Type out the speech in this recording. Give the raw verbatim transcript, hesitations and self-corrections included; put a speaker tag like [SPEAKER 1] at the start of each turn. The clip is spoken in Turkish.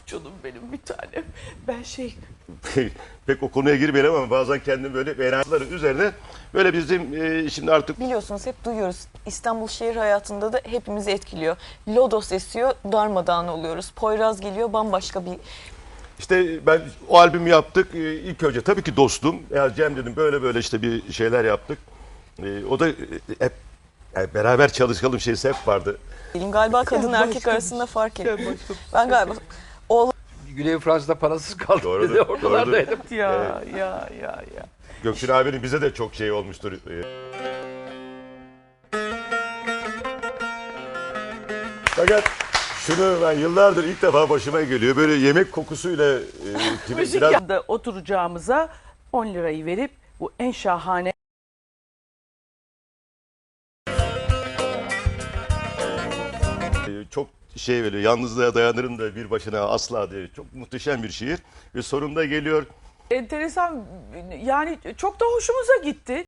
[SPEAKER 1] Canım benim bir tanem. Ben şey...
[SPEAKER 2] Pek o konuya girmeyelim ama bazen kendim böyle beğenileri üzerine böyle bizim e, şimdi artık
[SPEAKER 3] Biliyorsunuz hep duyuyoruz. İstanbul şehir hayatında da hepimizi etkiliyor. Lodos esiyor, darmadağın oluyoruz. Poyraz geliyor, bambaşka bir...
[SPEAKER 2] işte ben o albümü yaptık. E, ilk önce tabii ki dostum. Ya Cem dedim böyle böyle işte bir şeyler yaptık. E, o da e, hep yani beraber çalışalım şeysi hep vardı.
[SPEAKER 3] Galiba kadın
[SPEAKER 1] Ya
[SPEAKER 3] erkek
[SPEAKER 1] başka
[SPEAKER 3] arasında
[SPEAKER 1] bir-
[SPEAKER 3] fark
[SPEAKER 1] Ya
[SPEAKER 3] ettim.
[SPEAKER 1] başka bir-
[SPEAKER 3] Ben galiba oğlan
[SPEAKER 4] Güney Fransa'da parasız kaldı.
[SPEAKER 2] Doğrudur,
[SPEAKER 4] Dedi, ortalardaydım.
[SPEAKER 1] Ya ya ya ya.
[SPEAKER 2] Gökçin abinin bize de çok şey olmuştur. E, Fakat şunu ben yıllardır ilk defa başıma geliyor. Böyle yemek kokusuyla e,
[SPEAKER 1] Müzik
[SPEAKER 2] biraz
[SPEAKER 1] yanında oturacağımıza on lirayı verip bu en şahane
[SPEAKER 2] e, çok şey böyle yalnızlığa dayanırım da bir başına asla diye çok muhteşem bir şiir. Ve sonunda geliyor.
[SPEAKER 1] enteresan, yani çok da hoşumuza gitti.